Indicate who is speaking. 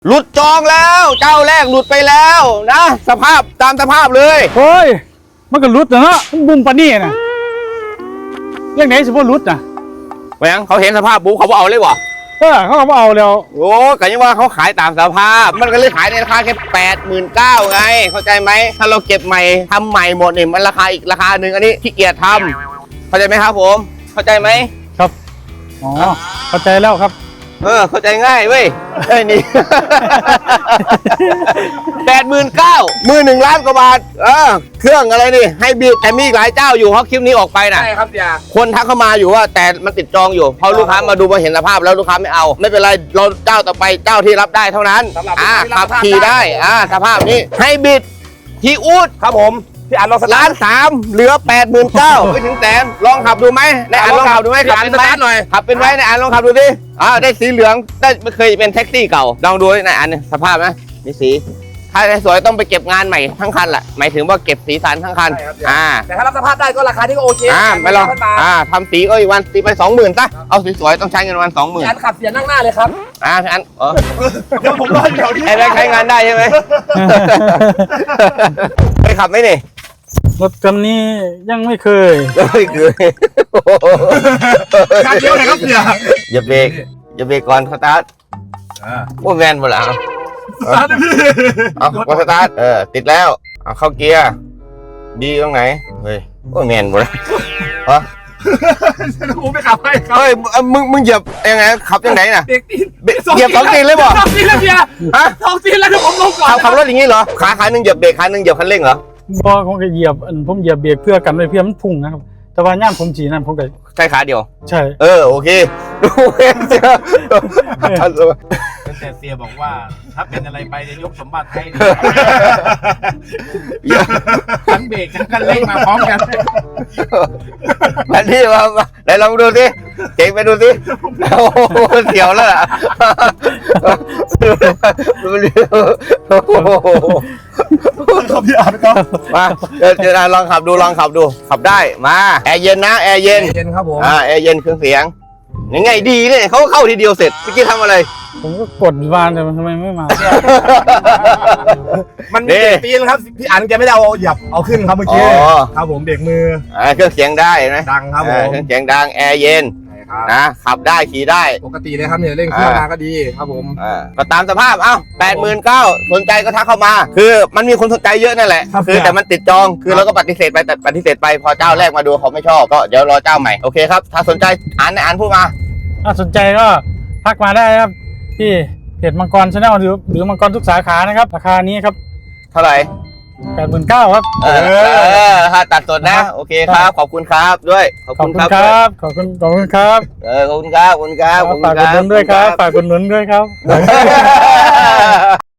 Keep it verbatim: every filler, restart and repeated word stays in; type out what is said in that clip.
Speaker 1: หลุดจองแล้วเจ้าแรกหลุดไปแล้วนะสภาพตามสภาพเลย
Speaker 2: โอ้ยมันก็รุดนะเนาะบุ้มปานนี่นะเรื่องไหนสิบ่รุดนะ
Speaker 1: แหวงเขาเห็นสภาพบุ๊เขาเอาเลยวะ
Speaker 2: เออเขาก็บ่เอาแล้ว
Speaker 1: โอ้ก็ยังว่าเขาขายตามสภาพมันก็เลยขายในราคาแค่แปดหมื่นเก้าไงเข้าใจไหมถ้าเราเก็บใหม่ทำใหม่หมดเนี่ยมันราคาอีกราคาหนึ่งอันนี้ขี้เกียจทำเข้าใจไหมครับผมเข้าใจไหม
Speaker 2: ครับอ๋อเข้าใจแล้วครับ
Speaker 1: เออเข้าใจง่ายเว้ยไอ้นี่แปดหมื่นเก้ามือหนึ่งล้านกว่าบาทเออเครื่องอะไรนี่ให้บีบแต่มีหลายเจ้าอยู่เพราะคลิปนี้ออกไปนะ
Speaker 3: ใช่ครับอย่า
Speaker 1: คนทักเข้ามาอยู่ว่าแต่มันติดจองอยู่พอลูกค้ามาดูมาเห็นสภาพแล้วลูกค้าไม่เอาไม่เป็นไรเราเจ้าต่อไปเจ้าที่รับได้เท่านั้นอ่าขับขี่ได้อ่าสภาพนี้ให้บิดฮีอูด
Speaker 3: ครับผมพี่อันลองสตาร์ท
Speaker 1: ล้านสามเหลือแปดหมื่นเก้าไม่ถึงแสนลองขับดูไหมในอ่านลองขับดูไหมขับเป็นไหมหน่อยขับเป็นไว้ในอ่านลองขับดูดิอ่าได้สีเหลืองได้ไม่เคยเป็นแท็กซี่เก่าลองดูในอ่านสภาพไหมมีสีถ้าสวยต้องไปเก็บงานใหม่ทั้งคันแหละหมายถึงว่าเก็บสีสันทั้งคันอ่า
Speaker 3: แต่ถ้ารับสภาพได้ก็ราคาที่ก็โอเค
Speaker 1: อ่าไม่ลองอ่าทำสีก็อีกวันตีไปสองหมื่นซะเอาสวยๆต้องใช้เงินวันสองหมื่น
Speaker 3: พี่อันขับเสียนั่งหน้าเลยครับ
Speaker 1: อ่าพี่อันเออ
Speaker 3: เดี๋ยวผมรอเดี๋ยวนี้
Speaker 1: ไอ้แบงค์ใช้งานได้ใช่ไหมไปขับไหมนี่
Speaker 2: รถคันนี้ยังไม่เคย
Speaker 1: ไม่เคย
Speaker 3: การเดียวเลยครับเสีย
Speaker 1: อย่าเบรกอย่าเบรกก่อนสตาร์ทโอ้แมนหมดแล้วเอาก็สตาร์ทเออติดแล้วเอาเข้าเกียร์ดีตรงไหนเฮ้ยโอ้แมนหมดแล้วฮะ
Speaker 3: ผมไม่ขับให้ครับ
Speaker 1: เฮ้ยมึงมึงเหยียบยังไงขับยังไงน่ะ
Speaker 3: เบรกตีน
Speaker 1: เหยียบสองตีนเลยบ่
Speaker 3: สองตีนแล้วเบียร์ฮะสองตีนแล้วเดี๋ยวผมลงก่อน
Speaker 1: ขับรถอย่างนี้เหรอขาขาหนึ่งเหยียบเบรกขาหนึ่งเหยียบคันเร่งเหรอ
Speaker 2: บ่ผมก็เหยียบผมเหยียบเบรกเพื่อกันไว้เพื่อมันพุ่งนะครับแต่ว่าย่ามผมจีนั่นผมก็
Speaker 1: ใช่ขาเดียว
Speaker 2: ใช่
Speaker 1: เออโอเคดูเองเสีย
Speaker 3: แต่เสียบอกว่าถ้าเป็นอะไรไปจะยกสมบัติให้ทั้งเบรกทั้งคันเร่งมาพร้อมกัน
Speaker 1: อันนี้มาไหนลองดูสิเจ๋งไปดูสิโอ้เสียวแล้วล่ะ
Speaker 3: ขับพี่อาร์ครับ
Speaker 1: มาเดี๋ยวลองขับดูลองขับดูขับได้มาแอร์เย็นนะแอร์เย็น
Speaker 3: เย็นครับผม
Speaker 1: อ่าแอร์เย็นเครื่องเสียงยังไงดีเนี่ยเขาเข้าทีเดียวเสร็จเมื่อกี้ทำอะไร
Speaker 2: ผมก็กดวานแต่มันทำไมไม่มา
Speaker 3: มันมีตีนครับพี่อันแกไม่ได้เอาหยับเอาขึ้นครับเมื่อกี้ครับผมเบรกมือ
Speaker 1: อ่าเครื่องเสียงได้ไหม
Speaker 3: ดังครับผม
Speaker 1: เครื่องเสียงดังแอร์เย็นนะขับได้ขี่ได้
Speaker 3: ปกติเลยครับเนี่ยเร่งเครื่องมาก็ดีครับผม
Speaker 1: ก็ตามสภาพเอ้าแปดหมื่นเก้าสนใจก็ทักเข้ามาคือมันมีคนสนใจเยอะนั่นแหละคือแต่มันติดจองคือเราก็ปฏิเสธไปแต่ปฏิเสธไปพอเจ้าแรกมาดูเขาไม่ชอบก็เดี๋ยวรอเจ้าใหม่โอเคครับถ้าสนใจอ่านในอ่านพูดมา
Speaker 2: ถ้าสนใจก็ทักมาได้ครับที่เพจมังกรชาแนลหรือหรือมังกรทุกสาขานะครับราคานี้ครับ
Speaker 1: เท่าไหร่
Speaker 2: แปดหมื่นเก้าครับ
Speaker 1: เออถ้าตัดสดนะโอเคครับขอบคุณครับด้วย
Speaker 2: ขอบคุณครับขอบคุณขอบคุณครับ
Speaker 1: เออขอบคุณครับขอบคุณครับ
Speaker 2: ฝากกดหนุนด้วยครับฝากกดหนุนด้วยครับ